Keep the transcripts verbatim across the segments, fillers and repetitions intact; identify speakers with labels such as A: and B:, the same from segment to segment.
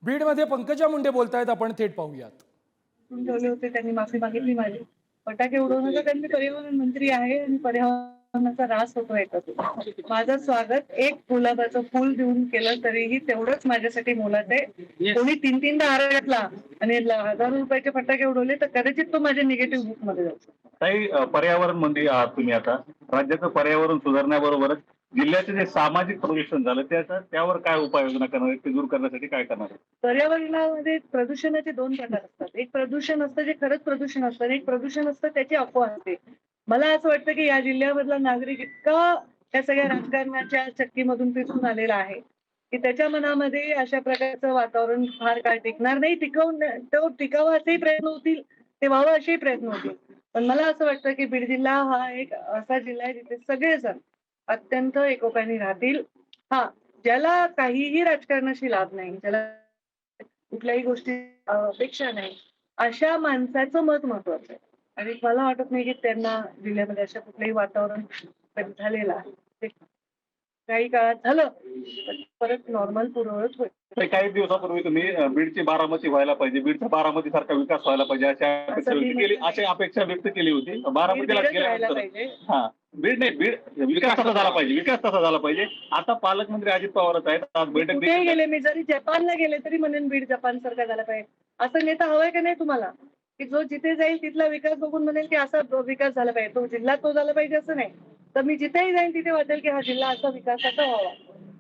A: बीडमध्ये पंकजा मुंडे बोलतायत, आपण थेट पाहूयात.
B: ठेवले होते, त्यांनी माफी मागितली माझी. फटाके उडवण्याचा त्यांनी पर्यावरण मंत्री आहे आणि पर्यावरणाचा ऱ्हास होतो याच्यातून. माझं स्वागत एक गुलाबाचं फुल देऊन केलं तरीही तेवढंच माझ्यासाठी मोलाचं आहे. कोणी तीन तीनदा हार घातला आणि हजारो रुपयाचे फटाके उडवले तर कदाचित तो माझ्या निगेटिव्ह बुक मध्ये जातो.
C: काही पर्यावरण मंत्री आहात तुम्ही, आता राज्याचं पर्यावरण सुधारण्याबरोबरच जिल्ह्याचे जे सामाजिक प्रदूषण झालं त्याचा त्यावर काय उपाययोजना करणार आहे, ते दूर करण्यासाठी काय करणार आहे?
B: पर्यावरणामध्ये प्रदूषणाचे दोन प्रकार असतात. एक प्रदूषण असतं जे खरंच प्रदूषण असतं आणि एक प्रदूषण असतं त्याची अफवा असते. मला असं वाटतं की या जिल्ह्यामधला नागरिक इतका त्या सगळ्या राजकारणाच्या चक्कीमधून पिसून आलेला आहे की त्याच्या मनामध्ये अशा प्रकारचं वातावरण फार काळ टिकणार नाही. टिकवून तो टिकावा असेही प्रयत्न होतील, ते व्हावं असेही प्रयत्न होतील. पण मला असं वाटतं की बीड जिल्हा हा एक असा जिल्हा आहे जिथे सगळेजण अत्यंत एकोप्याने राहतील. हा, ज्याला काहीही राजकारणाशी लाभ नाही, ज्याला कुठल्याही गोष्टी अपेक्षा नाही, अशा माणसाचं मत महत्वाचं आहे. आणि मला वाटत नाही की त्यांना जिल्ह्यामध्ये अशा कुठलंही वातावरण झालेलं आहे. काही काळात झालं परत नॉर्मल पूर्ववत होईल.
C: काही दिवसापूर्वी तुम्ही बीडची बारामती व्हायला पाहिजे, बीडचा बारामती सारखा विकास व्हायला पाहिजे अशा अपेक्षा व्यक्त केली अशी अपेक्षा व्यक्त केली होती. बारामतीला गेल्यानंतर हा बीड नाही बीड विकास तसा झाला पाहिजे, विकास तसा झाला पाहिजे. आता पालकमंत्री अजित पवारच आहेत, आज बैठक
B: कुठेही गेले, मी जरी जपानला गेले तरी म्हणेन बीड जपान सारखा झाला पाहिजे. असं नेता हवाय का नाही तुम्हाला की जो जिथे जाईल तिथला विकास बघून म्हणेल की असा विकास झाला पाहिजे, तो जिल्हा तो झाला पाहिजे असं नाही. तर मी जिथेही जाईल तिथे वाटेल की हा जिल्हा असा विकासाचा व्हावा.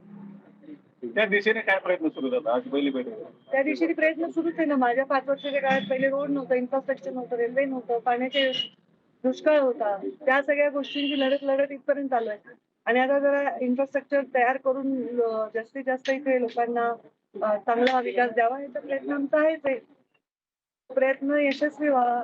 C: त्या दिशेने काय प्रयत्न सुरू होतात? आज पहिली बैठक
B: त्या दिशेने प्रयत्न सुरूच आहे ना. माझ्या पाच वर्षाच्या काळात पहिले रोड नव्हतं, इन्फ्रास्ट्रक्चर नव्हतं, रेल्वे नव्हतं, पाण्याचे दुष्काळ होता. त्या सगळ्या गोष्टींची लढत लढत इथपर्यंत आलोय. आणि आता जरा इन्फ्रास्ट्रक्चर तयार करून जास्तीत जास्त इथे लोकांना चांगला विकास द्यावा याचा प्रयत्न आमचा आहेच आहे. प्रयत्न यशस्वी व्हावा.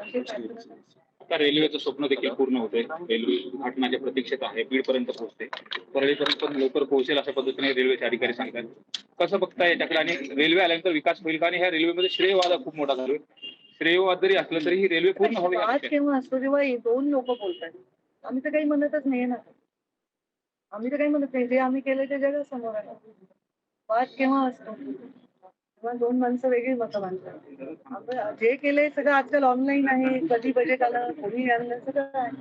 D: आता रेल्वेचं स्वप्न देखील पूर्ण होतंय. रेल्वे उद्घाटनाच्या प्रतीक्षेत आहे, बीड पर्यंत पोहोचते, परळीपर्यंत पण लवकर पोहोचेल अशा पद्धतीने रेल्वेचे अधिकारी सांगतात. कसं बघताय याच्याकडे आणि रेल्वे आल्यानंतर विकास होईल का? आणि ह्या रेल्वेमध्ये श्रेयवाद खूप मोठा झालोय. श्रेयवाद जरी असलं तरी ही रेल्वे पूर्ण हवी.
B: आज केव्हा असतो जेव्हा दोन लोक बोलतात. आम्ही तर काही म्हणतच नाही ना, आम्ही तर काही म्हणत नाही. जे आम्ही केलं ते जगासमोर आहे. वाद केव्हा असतो तेव्हा दोन माणसं वेगळी मतं मांडतात. जे केलंय सगळं आजकाल ऑनलाईन आहे. कधी बजेट आलं, कोणी आणलं, सगळं आहे.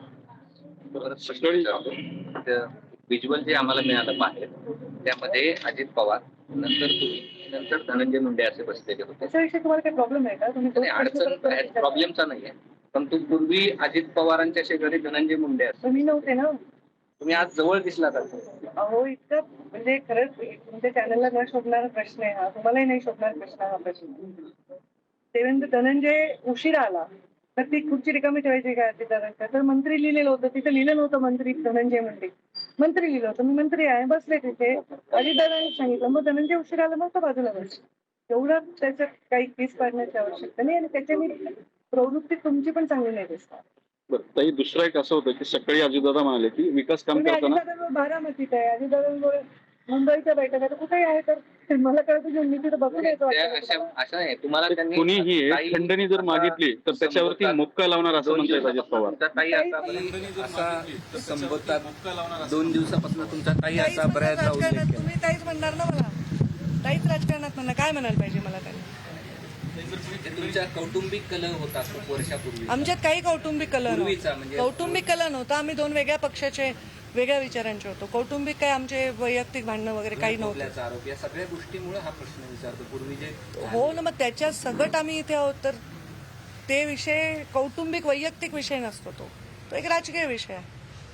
E: व्हिज्युअल जे आम्हाला मिळालं बाहेर त्यामध्ये अजित पवार, नंतर तुम्ही, नंतर धनंजय मुंडे असे बसलेले होते.
B: त्याच्याविषयी तुम्हाला काही प्रॉब्लेम आहे का? तुम्ही
E: अडचण प्रॉब्लेमचा नाहीये, पण तू पूर्वी अजित पवारांच्या शेजारी धनंजय मुंडे असतो.
B: तुम्ही नव्हते ना,
E: तुम्ही आज जवळ दिसला का?
B: अहो इतकं म्हणजे खरंच तुमच्या चॅनलला न शोधणारा प्रश्न आहे हा. तुम्हालाही नाही शोधणार प्रश्न हा प्रश्न. देवेंद्र धनंजय उशिरा आला तर ती खुर्ची रिकामी ठेवायची का अजितदादांच्या? तर मंत्री लिहिलेलं होतं, तिथं लिहिलं नव्हतं मंत्री धनंजय मुंडे, मंत्री लिहिलं होतं. मी मंत्री आहे, बसले तिथे. अजितदादांनी सांगितलं, मग धनंजय उशिरा आला, मग तो बाजूला बस. एवढं त्याच्यात काही केस पाडण्याची आवश्यकता नाही. आणि त्याच्याने प्रवृत्ती तुमची पण चांगली नाही दिसणार.
D: ताई, दुसरं एक असं होतं की सकाळी अजितदादा म्हणाले की विकास काम करताना
B: अजितदादा बारामतीत आहे, अजितदादा मुंबईच्या बैठक आहे, कुठेही आहे. तर मला कळतं मी तिथे बघून येतो.
E: असं नाही, तुम्हाला त्यांनी
D: कुणीही खंडणी जर मागितली तर त्याच्यावरती मुक्का लावणार असं म्हणतात अजित पवार.
E: ताई असा संबोधतात दोन दिवसापासून तुमचा ताई असा बऱ्याचदा उल्लेख केला.
B: तुम्ही ताईच म्हणणार ना मला, ताईच राजकारणात म्हणणार. काय म्हणायला पाहिजे मला त्यांनी?
E: तुमचा कौटुंबिक कलह होता खूप वर्षापूर्वी.
B: आमच्यात काही कौटुंबिक कलह
E: पूर्वीचा
B: नव्हता.
E: म्हणजे
B: कौटुंबिक कलह नव्हता. आम्ही दोन वेगळ्या पक्षाचे, वेगळ्या विचारांचे होतो. कौटुंबिक काय आमचे वैयक्तिक भांडणं वगैरे काही नव्हतं.
E: आरोप या सगळ्या गोष्टीमुळे हा प्रश्न विचारतो. पूर्वी जे
B: हो ना, मग त्याच्या सगट आम्ही इथे आहोत. तर ते विषय कौटुंबिक वैयक्तिक विषय नसतो, तो तो एक राजकीय विषय आहे.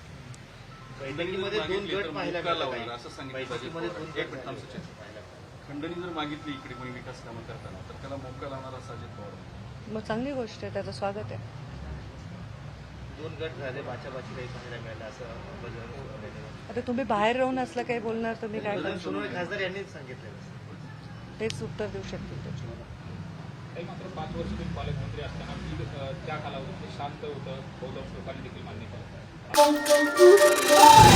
F: खंडणी जर मागितली इकडे कोणी विकास कामं करताना तर त्याला मोका लावणार असं अजित पवार.
B: मग चांगली गोष्ट आहे, त्याचं स्वागत आहे.
G: दोन गट झाले, बाचाबाची काही पाहायला मिळालं असं.
B: आता तुम्ही बाहेर राहून असलं काही बोलणार तर मी काय करू?
G: सोनवणे खासदार यांनीच सांगितलं,
B: तेच उत्तर देऊ शकतील त्याच्यावर.
H: काही मात्र पाच वर्ष तुम्ही पालकमंत्री असताना त्या कालावधीत शांत होतं, बहुतांश लोकांनी देखील मान्य केलं.